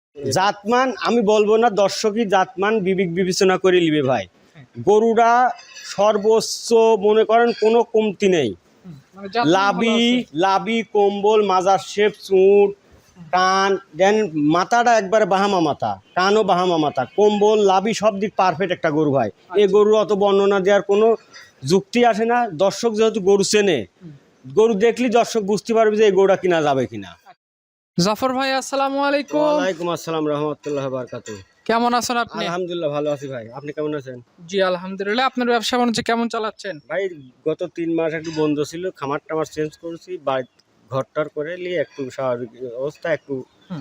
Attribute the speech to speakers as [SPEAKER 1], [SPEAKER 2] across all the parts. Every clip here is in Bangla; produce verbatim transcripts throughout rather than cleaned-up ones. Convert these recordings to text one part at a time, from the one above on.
[SPEAKER 1] জাতমান আমি বলবো না, দর্শকই জাতমান বিবেক বিবেচনা করে নিবে ভাই। গরুরা সর্বোচ্চ মনে করেন কোনো কমতি নেই, লাবি লাবি কম্বল মাজার শেপ চুট কান দেন মাথাটা একবারে বাহামা মাথা, কানও বাহামা মাথা, কম্বল লাবি সব দিক পারফেক্ট একটা গরু ভাই। এই গরু অত বর্ণনা দেওয়ার কোনো যুক্তি আসে না। দর্শক যেহেতু গরু চেনে, গরু দেখলি দর্শক বুঝতে পারবে যে এই গরুটা কিনা যাবে কিনা।
[SPEAKER 2] জাফর ভাই আসসালামু আলাইকুম।
[SPEAKER 1] ওয়ালাইকুম আসসালাম রাহমাতুল্লাহ বারাকাতুহু।
[SPEAKER 2] কেমন আছেন আপনি?
[SPEAKER 1] আলহামদুলিল্লাহ ভালো আছি ভাই, আপনি কেমন আছেন?
[SPEAKER 2] জি আলহামদুলিল্লাহ। আপনার ব্যবসা বাণিজ্য কেমন চালাচ্ছেন?
[SPEAKER 1] ভাই গত তিন মাস একটু বন্ধ ছিল, খামার টামার চেঞ্জ করেছি, বাড়ি ঘরটার করে নিয়ে একটু স্বাভাবিক অবস্থা, একটু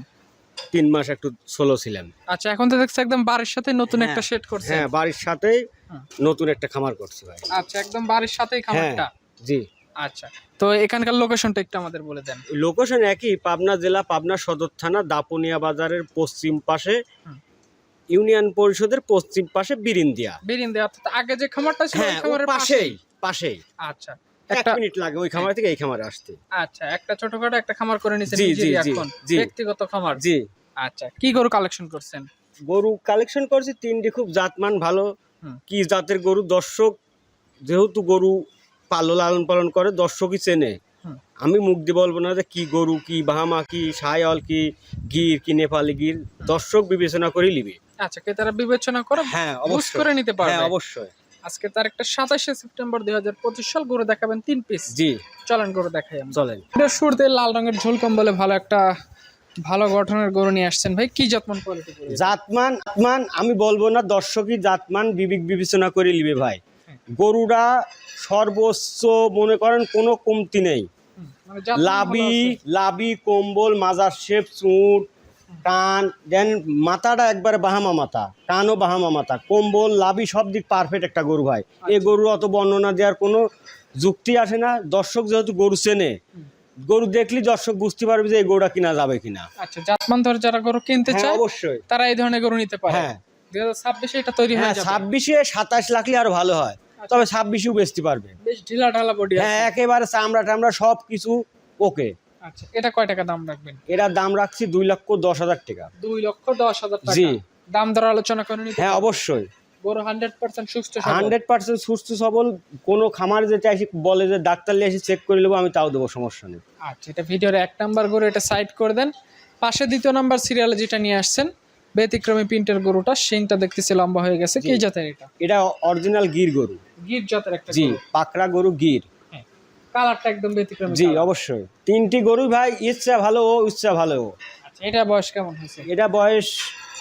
[SPEAKER 1] তিন মাস একটু স্লো ছিলাম।
[SPEAKER 2] আচ্ছা, এখন তো দেখছি একদম বাড়ির সাথে নতুন একটা সেট করছেন।
[SPEAKER 1] হ্যাঁ, বাড়ির সাথেই নতুন একটা খামার করছি ভাই।
[SPEAKER 2] আচ্ছা, একদম বাড়ির সাথেই খামারটা?
[SPEAKER 1] জি।
[SPEAKER 2] আচ্ছা, তো এখানকার লোকেশনটা একটু আমাদের বলে দেন।
[SPEAKER 1] লোকেশন একই, পাবনা জেলা, পাবনা সদর থানা, দাপুনিয়া বাজারের পশ্চিম পাশে, ইউনিয়ন পরিষদের পশ্চিম পাশে বিরিন্দিয়া।
[SPEAKER 2] বিরিন্দিয়া অর্থাৎ আগে যে খামারটা ছিল ওই
[SPEAKER 1] হ্যাঁ,
[SPEAKER 2] খামারের
[SPEAKER 1] পাশেই পাশেই।
[SPEAKER 2] আচ্ছা,
[SPEAKER 1] এক মিনিট লাগে ওই খামার থেকে এই খামারে আসতে।
[SPEAKER 2] আচ্ছা, একটা ছোটখাটো একটা খামার করে নিছেন
[SPEAKER 1] জি জি
[SPEAKER 2] নিজেরই
[SPEAKER 1] জি
[SPEAKER 2] এখন,
[SPEAKER 1] জি।
[SPEAKER 2] ব্যক্তিগত খামার?
[SPEAKER 1] জি।
[SPEAKER 2] আচ্ছা, কি গরু কালেকশন করছেন?
[SPEAKER 1] গরু কালেকশন করছি তিনটি, খুব জাতমান ভালো। কি জাতের গরু, দর্শক যেহেতু গরু পালন লালন পালন করে, দর্শকই চেনে। আমি মুখ দিয়ে বলবো না যে কি গরু, কি বাহামা, কি সায়াল, কি গির, কি নেপালি গির, দর্শক বিবেচনা করে নিবে।
[SPEAKER 2] আচ্ছা, কে তারা বিবেচনা করে
[SPEAKER 1] হ্যাঁ
[SPEAKER 2] অবশ্যই করে নিতে পারবে।
[SPEAKER 1] হ্যাঁ অবশ্যই।
[SPEAKER 2] আজকে তার একটা সাতাশে সেপ্টেম্বর দুই হাজার পঁচিশ সাল গরু দেখাবেন তিন পিস।
[SPEAKER 1] জি
[SPEAKER 2] চলেন গরু দেখাই আমরা।
[SPEAKER 1] চলেন।
[SPEAKER 2] এটা শুরুতে লাল রঙের ঝোল কম্বলে ভালো একটা ভালো গঠনের গরু নিয়ে আসছেন ভাই। কি জাতমান কোয়ালিটি গরু?
[SPEAKER 1] জাতমান জাতমান আমি বলবো না, দর্শকই জাতমান বিবেক বিবেচনা করে নিবে ভাই। গরুরা সর্বোচ্চ মনে করেন কোনো কমতি নেই, লাবি লাবি কম্বল মাজার শেপ চুট কান দেন মাথাটা একবারে বাহামা মাথা, কানও বাহামা মাথা, কম্বল লাবি সব দিক পারফেক্ট একটা গরু ভাই। এই গরু অত বর্ণনা দেওয়ার কোনো যুক্তি আসে না। দর্শক যেহেতু গরু চেনে, গরু দেখলি দর্শক বুঝতে পারবে যে এই গরুটা কিনা যাবে কিনা।
[SPEAKER 2] আচ্ছা, জাতমান ধরে যারা গরু কিনতে চায়
[SPEAKER 1] অবশ্যই
[SPEAKER 2] তারা এই ধরনের গরু নিতে পারে।
[SPEAKER 1] হ্যাঁ,
[SPEAKER 2] দুই হাজার ছাব্বিশে এটা তৈরি হয়ে যাবে।
[SPEAKER 1] ছাব্বিশে সাতাশ লাখলে আরো ভালো হয়, তবে ছাব্বিশেও বেচতে পারবে।
[SPEAKER 2] বেশ ঢিলা ঢালা বডি আছে।
[SPEAKER 1] হ্যাঁ, একেবারে চামড়া টামড়া সব কিছু ওকে।
[SPEAKER 2] আচ্ছা, এটা কয় টাকা দাম রাখবেন?
[SPEAKER 1] এটার দাম রাখছি দুই লক্ষ দশ হাজার টাকা।
[SPEAKER 2] দুই লক্ষ দশ হাজার টাকা?
[SPEAKER 1] জি।
[SPEAKER 2] দাম দর আলোচনা করে নিতে?
[SPEAKER 1] হ্যাঁ অবশ্যই।
[SPEAKER 2] গরু হান্ড্রেড পার্সেন্ট সুস্থ,
[SPEAKER 1] হান্ড্রেড পার্সেন্ট সুস্থ সবল। কোনো খামার যেটা এসে বলে যে ডাক্তার নিয়ে এসে চেক করে নেবো, আমি তাও দেবো, সমস্যা নেই।
[SPEAKER 2] আচ্ছা, এটা ভিডিওর এক নাম্বার গরু, এটা সাইড করে দেন। পাশে দ্বিতীয় নাম্বার সিরিয়ালে যেটা নিয়ে আসছেন ব্যতিক্রমী প্রিন্টের গরুটা, শিংটা দেখতেছি লম্বা হয়ে গেছে। কি জাতের এটা?
[SPEAKER 1] এটা অরিজিনাল গির গরু।
[SPEAKER 2] গির জাতের একটা?
[SPEAKER 1] জি, পাকড়া গরু গির।
[SPEAKER 2] কালারটা একদম ব্যতিক্রমী।
[SPEAKER 1] জি অবশ্যই। তিনটি গরু ভাই, ইচ্ছা ভালো ও ইচ্ছা ভালো ও।
[SPEAKER 2] আচ্ছা, এটা বয়স কেমন হয়েছে?
[SPEAKER 1] এটা বয়স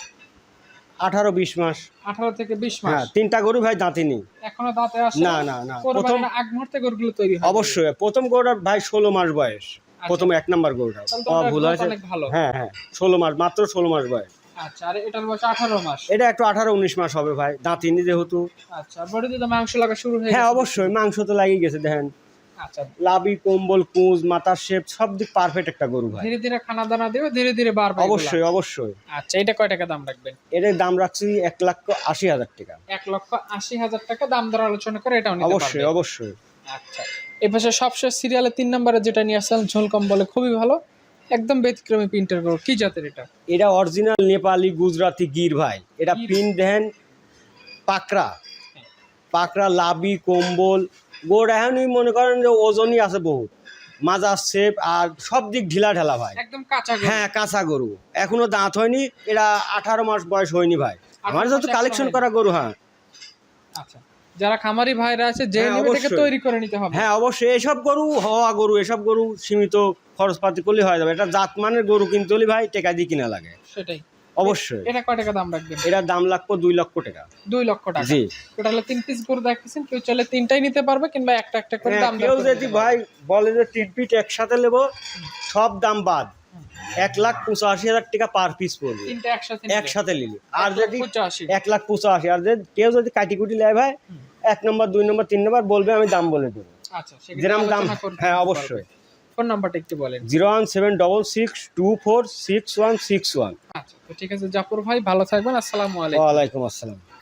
[SPEAKER 1] আঠারো বিশ মাস।
[SPEAKER 2] আঠারো থেকে বিশ মাস?
[SPEAKER 1] হ্যাঁ, তিনটা গরু ভাই দাঁতিনি,
[SPEAKER 2] এখনো দাঁতে আসে
[SPEAKER 1] না না না।
[SPEAKER 2] প্রথম আগ মুহূর্তে গরুগুলো তৈরি হয়?
[SPEAKER 1] অবশ্যই। প্রথম গরুটার ভাই ষোলো মাস বয়স, প্রথম এক নাম্বার গরুটা। ভুল হয়েছে। হ্যাঁ হ্যাঁ, ষোলো মাস, মাত্র ষোলো মাস বয়স।
[SPEAKER 2] আচ্ছা, আর এটার বয়স আঠারো মাস?
[SPEAKER 1] এটা একটু আঠারো উনিশ মাস হবে ভাই, দাঁতিনি যেহেতু।
[SPEAKER 2] আচ্ছা, বডিতে তো মাংস লাগা শুরু হয়ে গেছে?
[SPEAKER 1] হ্যাঁ অবশ্যই, মাংস তো লাগিয়ে গেছে দেখেন।
[SPEAKER 2] আচ্ছা,
[SPEAKER 1] লাবি কম্বল কুঁজ মাথার শেপ সব দিক পারফেক্ট একটা গরু ভাই।
[SPEAKER 2] ধীরে ধীরে খানা দানা দিবে, ধীরে ধীরে বাড়বে।
[SPEAKER 1] অবশ্যই অবশ্যই।
[SPEAKER 2] আচ্ছা, এটা কয় টাকা দাম রাখবেন?
[SPEAKER 1] এটার দাম রাখছি এক লক্ষ আশি হাজার টাকা।
[SPEAKER 2] এক লক্ষ আশি হাজার টাকা দাম দর আলোচনা করে এটাও নিতে পারবেন?
[SPEAKER 1] অবশ্যই অবশ্যই।
[SPEAKER 2] আচ্ছা, এই পাশে সবশেষ সিরিয়ালে তিন নম্বরে যেটা নিয়ে আসছেন ঝোল কম্বলে খুবই ভালো, একদম ব্যতিক্রমী প্রিন্টের গরু। কি জাতের এটা?
[SPEAKER 1] এটা অরিজিনাল নেপালি গুজরাটি গির ভাই। এটা প্রিন্ট দেন পাকড়া পাকড়া লাবি কম্বল গোড়, এখনই মনে করেন যে ওজনই আছে বহুত, মাজার শেপ আর সব দিক ঢিলা ঢালা ভাই,
[SPEAKER 2] একদম কাঁচা গরু।
[SPEAKER 1] হ্যাঁ কাঁচা গরু, এখনো দাঁত হয়নি। এটা আঠারো মাস বয়স হয়নি ভাই, আমার যেহেতু কালেকশন করা গরু। হ্যাঁ
[SPEAKER 2] আচ্ছা, যারা খামারি ভাইরা আছে যে এটাকে তৈরি করে নিতে হবে।
[SPEAKER 1] হ্যাঁ অবশ্যই, এসব গরু হওয়া গরু, এসব গরু সীমিত খরচপাতি করলে হয়ে যাবে। এটা জাতমানের গরু কিনতে হলে ভাই টাকা দিয়ে কিনা লাগে।
[SPEAKER 2] সেটাই
[SPEAKER 1] অবশ্যই।
[SPEAKER 2] এটা কয় টাকা দাম রাখবেন?
[SPEAKER 1] এটার দাম লাগবে দুই লক্ষ টাকা।
[SPEAKER 2] দুই লক্ষ টাকা? জি। টোটালে তিন পিস গরু দেখতেছেন, কেউ চাইলে তিনটাই নিতে পারবে কিংবা একটা একটা করে দাম দর।
[SPEAKER 1] কেউ যদি ভাই বলে যে তিন পিস একসাথে নেবো, সব দাম বাদ, এক লাখ পঁচাশি হাজার টাকা পার পিস পড়বে
[SPEAKER 2] তিনটা একসাথে
[SPEAKER 1] একসাথে নিলে। আর যদি
[SPEAKER 2] পঁচাশি,
[SPEAKER 1] এক লাখ পঁচাশি, আর যদি কেউ যদি কাটি কুটি নেয় ভাই, এক নম্বর দুই নম্বর তিন নম্বর বলবে, আমি দাম বলে দেবো।
[SPEAKER 2] আচ্ছা,
[SPEAKER 1] যেরকম দাম। হ্যাঁ অবশ্যই।
[SPEAKER 2] ফোন নাম্বারটা একটু বলেন।
[SPEAKER 1] Zero one seven double six two four six one six one.
[SPEAKER 2] আচ্ছা, ঠিক আছে জাফর ভাই, ভালো থাকবেন। আসসালামু আলাইকুম।
[SPEAKER 1] ওয়ালাইকুম আসসালাম।